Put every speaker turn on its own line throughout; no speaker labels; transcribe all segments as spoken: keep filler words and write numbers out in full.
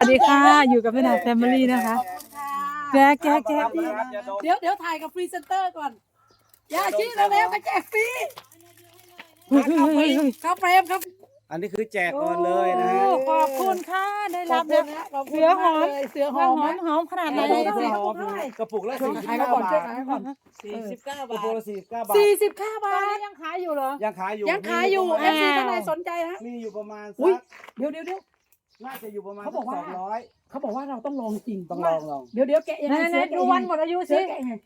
วัสดีค่ะอยู่กับแม่ดาแฟมิลี่นะคะแจ๊กแจ๊กแจ๊ก
เดี๋ยวเดี๋ยวถ่ายกับพรีเซนเตอร์ก่อนยาชีแล้วแล้วก็แจกฟรี
เฮ้ยเฮ้ยเฮ้ยเฮ้ย
ข้าวเฟรมครับ
อันนี้คือแจกก่อนเลยนะฮะ
โอ้ขอบคุณค่ะได้
ขอ
รั
บบ คุ
แล้ว
ณนะขอบคุ
เสื
ณ
อหอ
มาก
ม
เลยเสือห
ห
อ
อ
ม
ม
ไหม
หอมขนาดไหน
ไหน
กระ
ดู
ปุก
สิ
ละกระปุกละสี่สิบ
ขาย
เก้า
ก่อน
บา
ช่วย
ท
ขายก่อน
สี่สิบเก้าก
บา
ระ
ท
ปุกละสี่สิบเก้าบาท
สี่สิบเก้า
ต
บา
อน
ท
นี้ยังขายอยู่เหรอ
ยังขายอยู่
ยังขายอยู่เอฟซีท่านใดสนใจนะ
มีอยู่ประมาณ
อุ้ย
สัก
เดี๋ยวเดี๋ยวเดี๋ยว
น่าจะอยู่ประมาณ
เขาบอกว่า
สองร้อย
เขาบอกว่าเราต้องลองจริง
ต้องลองลอง
เดี๋ยวเดี๋ยวแกะยัง
ไหน
ไง
ไหน
เสือแกะ
ดูวันหมดอายุ
เสื
สิ
อแกะยังไง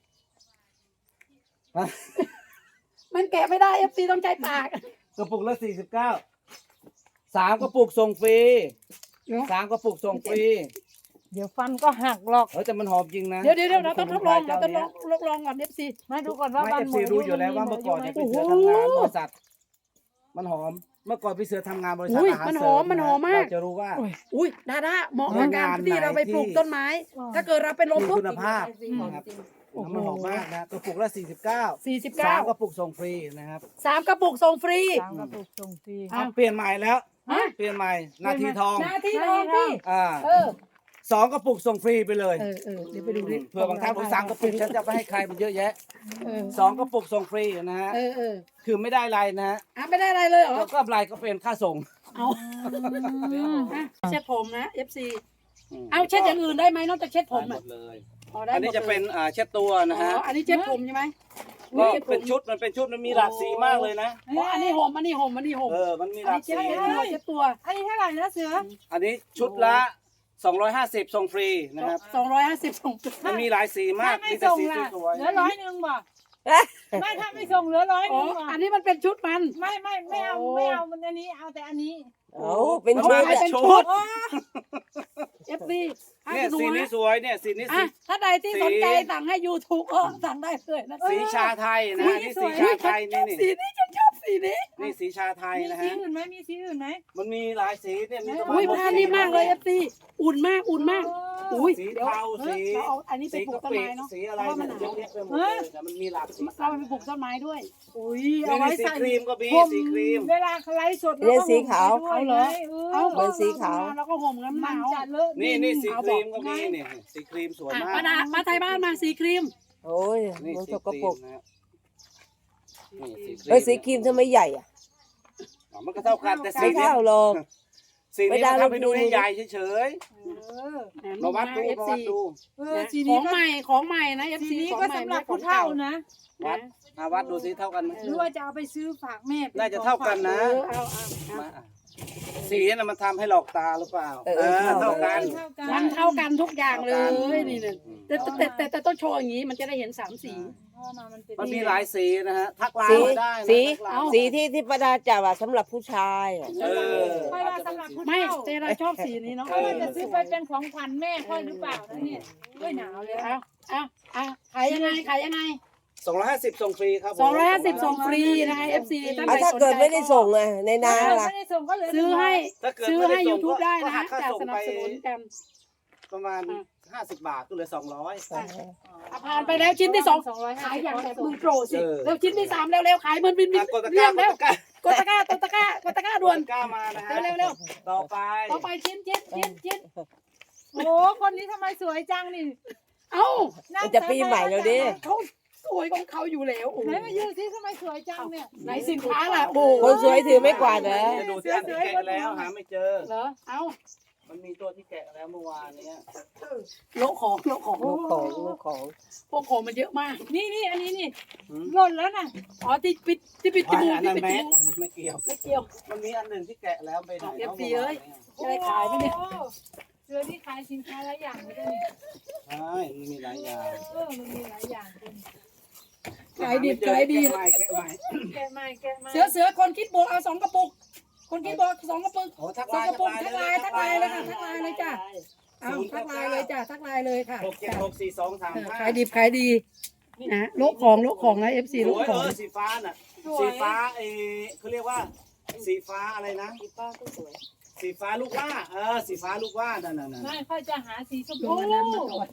มันแกะไม่ได้เอฟซีต้องใจปาก
กระปุกละสี่สิบเก้าสามกระปุกส่งฟรีสามกระปุกส่งฟรี
เดี๋ยวฟันก็หักหรอก
เฮ้ยแต่มันหอมจริงนะ
เดี๋ยวเดี๋ยวเดี๋ยวเราต้องทดลองเราต้องลองทดลองก่อนเอฟซี
มาดูก่อนว่า
ไม่
วัน
เอฟ
หม
ซี
ดอายุ
รู้อยู่แล้วว่าเมื่อก่อนเนี่ยพี่เสือทำงานบริษัทมันหอมเมื่อก่อนพี่เสือทำงานบริษัทอาหารเสริมเราจะรู้ว่า
อุ้ยดาด้าเหมาะกับการที่เราไปปลูกต้นไม้ ถ้าเกิดเราไปลง
มี
ปุ๊บ
คุณภาพนะครับมันหอมมากนะกระปุกละสี่สิบเก้า
สี่สิบ
สา
เก้าม
กระปุกส่งฟรีนะครับ
สามกระปุกส่งฟรี
สามกระปุกส่งฟรี
เอาเปลี่ยนใหม่แล้ว
ฮะ
เปลี่ยนใหม่นาทีทอง
นาทีทองพี่
อ่า
เออ
สองกระปุกส่งฟรีไปเลย
เออเออเดี๋ยวไปดูดิ
เผื่อบางท่านบอกสามกระปุกฉันจะไปให้ใครมันเยอะแยะ
เออ
สองกระปุกส่งฟรีนะฮะ
เออเออ
คือไม่ได้อะไรนะฮะ
อ่ะไม่ได้อะไรเลยเหรอ
แล้วก็อะไรก็เป็นค่าส่ง
เอาอ่ะเช็ดผมนะ เอฟ ซี
ม
เอาเช็ดอย่างอื่นได้ไหมนอกจากเช็ดผม
ได้หม
อ่ะ
ดเลย
อ๋อได้
อัน
หม
นี้
ด
จะ
ลย
เป็นอ่าเช็ดตัวนะฮะ
อ๋ออันนี้เช็ดผมใช่ไหม
ก็
ช็ดผม
เป็นชุดมันเป็นชุดมันมีหลากสีมากเลยนะ
อ๋ออันนี้ห่มอันนี้ห่มอันนี้ห่ม
เออมันมีห
อัน
ลา
นี้
ก
เช็ด
สี
ตัว
นะ
เช็ดตัว
อันนี้เท่าไหร่นะเสือ
อันนี้ชุดละสองร้อยห้าสิบส่งฟรีนะครับ
สองร้อยห้าสิบส่ง
มันมีหลายสีมาก
ถ้าไม่
มีแต่
ส่ง
สี
ล่ะ
สวย
เหลือร้อยหนึ่งบ่ไม่ถ้าไม่ส่งเหลือร้อยห
อ๋อ
นึ่งบ่
อันนี้มันเป็นชุดมัน
ไม่ไม่ไม่เอาไม่เอามันอันนี้เอาแต่อันนี้
โอ้เป็น
ๆ
ชุด
มัน
อะ
เป็นชุด
เอฟซีให้
เนี่ย
ดู
สีนี้
นะ
สวยเนี่ยสีนี้สี
อ่ะถ้าใดที่สนใจสั่งให้ยูทูบเออสั่งได้เลยนะ
สีชาไทยนะฮะนี่สีชาไทยนี่นี่
สีนี้ฉันชอบสีนี้
นี่สีชาไทย
มี
นะ
สี
ฮะ
อื่นไหมมีสีอื่นไหม
มันมีหลายสีเนี่ยมีประมาณ
อุ้ย
หก
ผ้า
สี
นี่มากเลยเอฟซีอุ่นมากอุ่นมาก อุ้ย
สี
เดี๋ยว
เทาสี
เราเอาอันนี้ไป
สี
ปลูก
กะ
ต้น
ปิ
ไม้เนาะ
สีอะไร
เพราะว่ามัน
เนี่ย
ห
เย
นาว
อะแยะไปหมดเลยแต่มันมีหลากสี
เราไปปลูกต้นไม้ด้วย อุ้ย
นี่
เอาไว้
นี่สี
ใส่
ครีมก็มี
ผม
สีครีม
เวลาเขาไลฟ์สด
เรียนสีขาว
เอาเหรอ
เอา
เหมือนสีขาว
แล้วก็ห่มกันห
มัน
นาว
จะเลอะ
นี่นี่สี
เอา
ค
บ
รี
อก
มก็มีนี่สีครีมสวย
อ่ะ
มาก
มาดามาไทยบ้านมาสีครีม
โอ้ย
นี่
มัน
สี
ส
ค
ก
รี
ปร
ม
ก
นะฮะนี่สีครีม
เอ้ยสีครีมทำไมใหญ่อะ
อ๋อมันก็เท่ากันแต่สี
ไม่
นี้
เท่าหรอก
สี
ไม่
นี้
ได้
มันทำให้ดู
เราดู
ใหญ่ๆเฉย
เออ
ๆมาวัดดู
เอฟ
มา
ซี
วัดดู
เออสี
ข
นี้
อง
ก็
ใหม่ของใหม่นะเอฟ
สี
ซี
นี้
ของ
ก็
ใหม่
สำหรับ
ขอ
ผู้
ง
เฒ่า
เก่า
นะ
วัดมาวัดดูสิเท่ากันไหม
หรือว่าจะเอาไปซื้อฝากแม่ป็
น่าจะเท่ากันนะ
เออเอาเอาเอา
มาอ่ะสีน่ะมันทำให้หลอกตาหรือเปล่า
เออเออ
เท่ากัน
เท่ากั
มัน นเท่ากันทุกอย่างเลยนี่เนี่ย
อืม
แต่แต่แต่แต่ต้องโชว์อย่างนี้มันจะได้เห็นสามสี
เพราะว่ามันเป็น
มันมีหลายสีนะฮะทักไล
สี
น์มาได้นะ
สี
ทักไลน์
สีที่ที่ประดาจับอะสำหรับผู้ชายอะ
เออ
ค่อยว่าสำหรับผู้
ไม่
เฒ่า
แต่เราชอบสีนี้เนาะ
ค่อยว่าจะซื้อไปเป็นของขวัญแม่ค่อยหรือเปล่านะเนี่ยด้วยหนาวเลย
เอาเอาเอาขายยังไงขายยังไง
สองร้อยห้าสิบส่งฟรีครับผม
สองร้อยห้าสิบส่งฟรีนะคะ เอฟ ซี ท่าน
อ่ะ
ใด
ถ้า
สน
เกิด
ใจ
ไม่ได้ส่งอะในนา
ถ้า
ล่ะ
ไม่ได้ส่งก็เหลือ
ซื้อให้
ถ้าเกิด
ซื้อ
ไม่
ให้
ได้ส่ง
YouTube ได้นะ
ก็หั
ฮะ
กค่า
จะ
ส่ง
สนั
ไป
บสนุนกัน
ประมาณห้าสิบบาทก็เหลือสองร้อย
อ่ะผ่านไปแล้วชิ้นที่สอง
สองร้อย
ขายอย่างแบบมือโปรสิ
เออ
แล้วชิ้นที่สามเร็วๆขายเหมือนบินบิน
กดตะก
เรี
ร้าย
ง
ก
แล้ว
ดตะกร้าก
ดตะกร้ากดตะกร้ากดตะกร้าด่วน
กดตะกร้ามานะฮะ
เร็วเร็ว
ต่อไป
ต่อไปชิ้นชิ้นชิ้นชิ้น
โอ้คนนี้ทำไมสวยจังนี่
เอ้า
นั่ง
มันจะปีใหม่แล้วดิ
เขาสวยของเขาอยู่แล้วโอ้โห
ไหนมายืนสิทำไมสวยจังเนี่ย
ไหนสินค้าล่ะโอ้
คนสวยถือไม่กวาดเหรอ
จะดูที่อันที่แกะแล้วหาไม่เจอ
เหรอเอ้า
มันมีตัวที่แกะแล้วเมื่อวานเนี้ย
โลกของโลกของ
ลูกของลูกของ
พวกของมันเยอะมาก
นี่นี่อันนี้นี่
หืม
หล่นแล้วน่ะ
อ๋อที่ปิดที่ปิดจมูก
อัน
ที่
นั้น
ปิด
แม
จ
ส
มูก
ไม่เกี่ยว
ไม่เกี่ยว
มันมีอันหนึ่งที่แกะแล้วไปไหน
เอฟซี
มื่วาน
เอ้ย
นี่
จะได้ขายไหมเนี่ย
โอ้เสือที่ขายสินค้าหลายอย่างเลยเนี่ย
ใช่มันมีหลายอย่าง
เออมันมีหลายอย่างจริง
ขายดิบขายดี
แกะใหม่แกะใหม่
แกะใหม่แกะใหม่
เสือเสือคนคิดบวกเอาสองกระปุก คนคิดบวกสองกระปุก
โอ้ทัก
ส
ไล
อง
น์
กระปุกทักไลน์ทักไลน์เลยค่ะทักไลน์เลยจ้ะเอาทักไลน์เลยจ้ะทักไลน์เลยค่ะ
หกเจ็ดหกสี่สองสาม
เออ
ห้า
ขายดิบขายดีนะโลกของโลกของนะเอฟซี
ส
โลก
วย
ข
เอ
อง
อสีฟ้าน่ะสีฟ้าเออเขาเรียกว่า สีฟ้าอะไรนะ
สีฟ้าก็สวย
สีฟ้าลูกว่าเออสีฟ้าลูกว่านั่นน่ะนั่น
ไม่ค่อยจะหาสีชม
ล
พู
งอันนั้นมาก่อน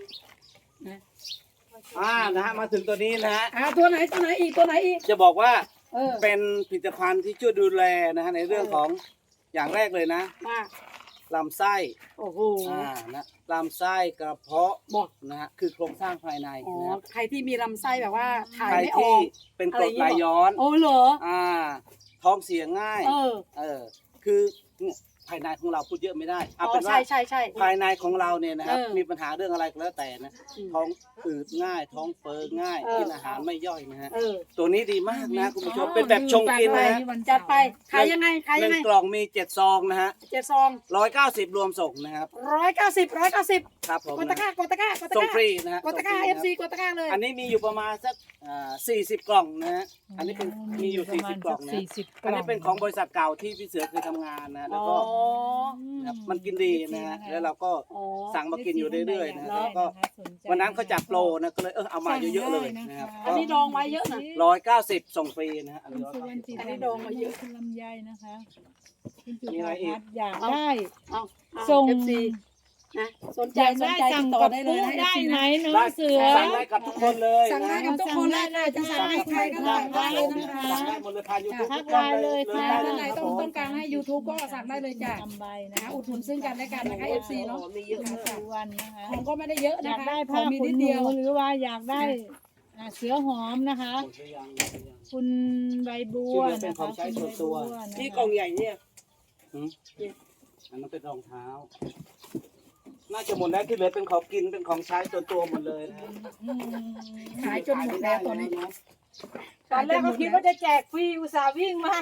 อ่านะฮะมาถึงตัวนี้นะฮะ
อ่าตัวไหนตัวไหนอีกตัวไหนอีก
จะบอกว่า
เออ
เป็นผลิตภัณฑ์ที่ช่วยดูแลนะฮะในเรื่องของอย่างแรกเลยนะ
มา
ลำไส้
โอ้โห
อ่านะลำไส้กระเพาะ
บอก
นะฮะคือโครงสร้างภายใน
อ๋อ
นะครับ
ใครที่มีลำไส้แบบว่าถ่าย
ใคร
ไม่อ
ที่
อก
เป็นกรดไหลย้อน
โอ้เหรอ
อ่าท้องเสียง่าย
เออ
เออคือภายในของเราพูดเยอะไม่ได้
อ๋
เอา
อ
เป็นว่า
ใช่ใช่ใช่
ภายในของเราเนี่ยนะครับ
เออ
มีปัญหาเรื่องอะไรก็แล้วแต่นะ
อืม
ท้องอืดง่าย ท้องเฟ้อง่าย
เออ
กินอาหารไม่ย่อยนะฮะ
เออ
ตัวนี้ดีมากนะคุณผู้ชม
อ๋อ
เป็นแบบชงกินนะฮะ
จัดไปขายยังไงขาย
ห
ยัง
นึ่ง
ไง
กล่องมีเจ็ดซองนะฮะ
เจ็ดซอง
ร้อยเก้าสิบรวมส่งนะครับ
ร้อยเก้าสิบร้อยเก้าสิบ
ครับผม
กดตะกร้ากดตะกร้ากดตะ
ส่ง
กร้า
ฟรีนะฮะ
กดตะกร้า
ส่งฟ
เอ
รี
ฟ
นะ
ซีกดตะกร้าเลย
อันนี้มีอยู่ประมาณสักอ่าสี่สิบกล่องนะฮะอันนี้เป็นมีอยู่สี่สิบกล่องนะ
สี่สิบก
อัน
ล่อง
นี้เป็นของบริษัทเก่าที่พี่เสือเคยทำงานนะแล้วก็
อ๋อ
นะครับมันกินดีนะฮะแล้วเราก็
อ๋อ
สั่งมากินอยู่เรื่อยๆนะ
แล้
แล้ว วก็วันนั้นเขาจัดโปรนะก็เลยเออเอามาเยอะๆเลยนะครับ
อันนี้ดองไว้เยอะนะ
ร้อยเก้าสิบส่งฟรีนะฮะอัน
คุ
นี้
ณ
ร้อย
สุวรรณจิต
อันนี้ดองมาเยอะ
คุณลำไยนะคะคุณจุ
มีอะไรอีก
ฬาพัฒน์อยากได้
เอาเอา
ส่ง
เอฟซีนะสนใจ
อยาก
สน
ได้
ใจ
สั่
ติ
ง
ดต่อ
กับ
ได้เลย
ปุ๊
นะ
ได้ไหม
เอฟซี
น้อง
ได้
เสือ
สั่งได้กับทุกคนเลย
สั่งได้
นะ
กับทุกคนเลยค่ะจะสั่งให้ใครก็สั่งได้เลยนะคะ
สั่งได้หมดเลยผ่านยูทูบ
ทั
ทุ
ก
กคน
ไลน์
เล
เลย ย
เลย
ค่ะ
ได้
ท่าน
เล
ไหน
ยครับ
ต้อง
ผม
ต้องการให้ YouTube ก็สั่งได้เลยจ้ะ
ทำใบนะ
นะคะอุดหนุนซึ่งกันและกันนะคะ เอฟซีเนาะ
มีเยอะ
คุณ
มาก
สุวรรณนะคะ
ของก็ไม่ได้เยอะ
อ
นะ
ยาก
คะ
ได้
ข
ผ้า
องมี
ขน
นิด
ห
เดี
นู
ยว
หรือว่าอยากได้อ่าเสือหอมนะคะ คุณใบบัว
ที่เหลือเป็น
นะ
ขอ
คะ
งใช้ส่วนตัว
คุณใบบันะคะ
นี่กล่องใหญ่เนี่ย
หืมอันนั้นเป็นรองเท้า น่าจะหมดแล้วที่เหลือเป็นของกินเป็นของใช้ส่วนตัวหมดเลยนะฮะ
ขายจนหมดแล้วตอนนี้
ตอนแรกก็คิดว่าจะแจกฟรีอุตส่าห์วิ่งมา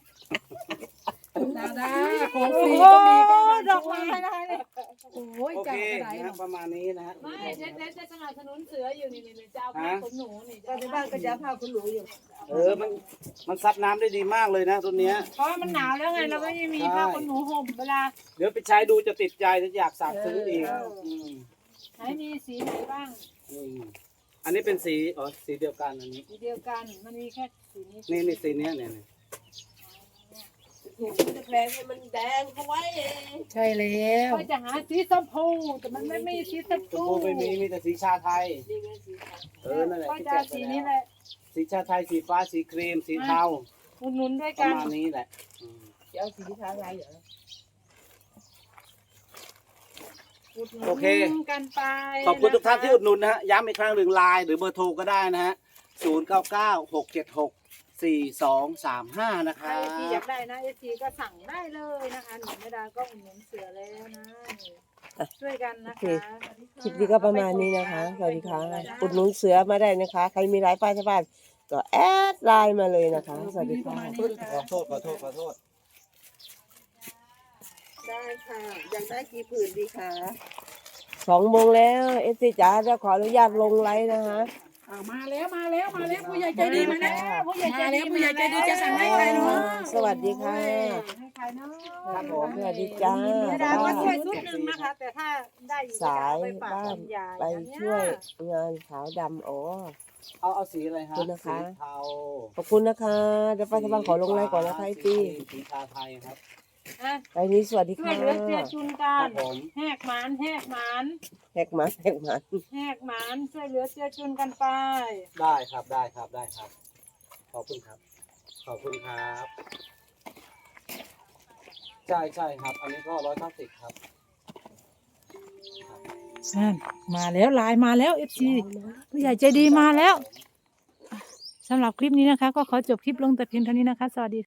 ดาดาของฟรี
โอ้
ก็มีก็บาง
ดอก
ช่ว
ไม้
ง
นะคะเนี่ย
โอ้ย
โอ
จั
เค
บกระได
นะ
เนาะ
ประมาณนี้นะฮะ
ไม่เด็ดๆจะสนับสนุนเสืออยู่นี่นี่จะเอาผ้าขนหนูนี่
ตอนที่บ้านก็จะเอาผ้าคุณหนูอยู่
เออมันมันซับน้ำได้ดีมากเลยนะตัวเนี้ย
เพราะว่ามันหนาวแล้วไงเราก็ยังมีผ้าขนหนูห่มเวลา
เดี๋ยวไปใช้ดูจะติดใจจะอยากสั่งซื้ออีกม
ไหนมีสีไหนบ้าง
อืมอันนี้เป็นสีอ๋อสีเดียวกันอันนี้
สีเดียวกันมันมีแค่สีนี้
นี่นี่สีเนี้ยเนี่ยเนี่ย
ถูกจะแพงให้มันแดงเอาไว้
ใช่แล้ว
ก็จะหาสีชมพูแต่มันไม่มีสีชม
ชม
พู
พูไม่มีมีแต่สีชาไทย
นี่ไงสีขาว
เออนั่นแหละ
ก็
ที่
จะ
แจ
เอา
กไป
สี
แล้ว
นี้แหละ
สีชาไทยสีฟ้าสีครีมสีเทา
อุดหนุนด้วย
ประ
กัน
มาณนี้แหละอืม
จะเอาสีขาวอะไรเหรอ
อุดหนุ
โอเค
นกันไป
ขอบคุณทุกท่านที่อุดหนุนนะฮะย้ำอีกครั้งหนึ่งไลน์หรือเบอร์โทรก็ได้นะฮะศูนย์เก้าเก้าหกเจ็ดหกสี่สองสามห้านะค
ใคร
รับ
ที่อยากได้นะเอซีก็สั่งได้เลยนะคะหนูไม่ได้ก็อุดหนุนเสือแล้วนะนี่ช่วยกันนะคะ
คลิปนี้ก็ประมาณนี้นะคะ สวัสดีค่ะ อุดหนุนเสือมาได้นะคะ ใครมีร้านป้ายชาวบ้านก็แอดไลน์มาเลยนะคะ สวัสดีค่ะ
ขอโทษขอโทษขอโทษ
ได้ค่ะ อยากได้กี่ผืนดีคะสองโมงแล้วเอสซีจ๋าจะขออนุญาตลงไลน์นะคะ
อ่ามาแล้วมาแล้วมาแล้วผู้ใหญ่ใจดีมาแล้ว
ผู้ใหญ่ใจ
มา
ดี
แล้วผู้ใหญ่ใจดีจะสั่งให้ใครเนาะ
สวัสดีค่ะ
ให้ใครเนาะ
ครับผม
สวัสดีจ้า
ไม่ได้ก็ช่วยชุดหนึ่งนะคะ แต่ถ้าได้อยู่
สาย
จะเอไปฝาก
บ้าน
คุณยาย
ไป
นะเนี่
ช่วยงานขาวดำอ๋อ
เอาเอาสีอะไรฮะ
ขอบคุณนะคะ
สีเทา
ขอบคุณนะคะเดี๋ยวป้าชาวบ้านขอลงไลน์ก่อนนะคะไอ
สี
ตี
สีชาไทยครับ
อ่ะ
ไอนี้สวัสดี
ช่ว
ค่ะ
ยเหลือเจือจุนกั
ครั
น
บผม
แหกหมานแหกหมาน
แหกหมันแหกหมัน
แหกหมานช่วยเหลือเจือจุนกันไป
ได้ครับได้ครับได้ครับ ขอบคุณครับ ขอบคุณครับ ใช่ใช่ครับ อันนี้ก็ร้อยเก้าสิบครับ
นั่นมาแล้วไลน์มาแล้วเอฟซีผู้ใหญ่ใจดีมาแล้วสำหรับคลิปนี้นะคะ ก็ขอจบคลิปลงแต่เพียงเท่านี้นะคะ สวัสดี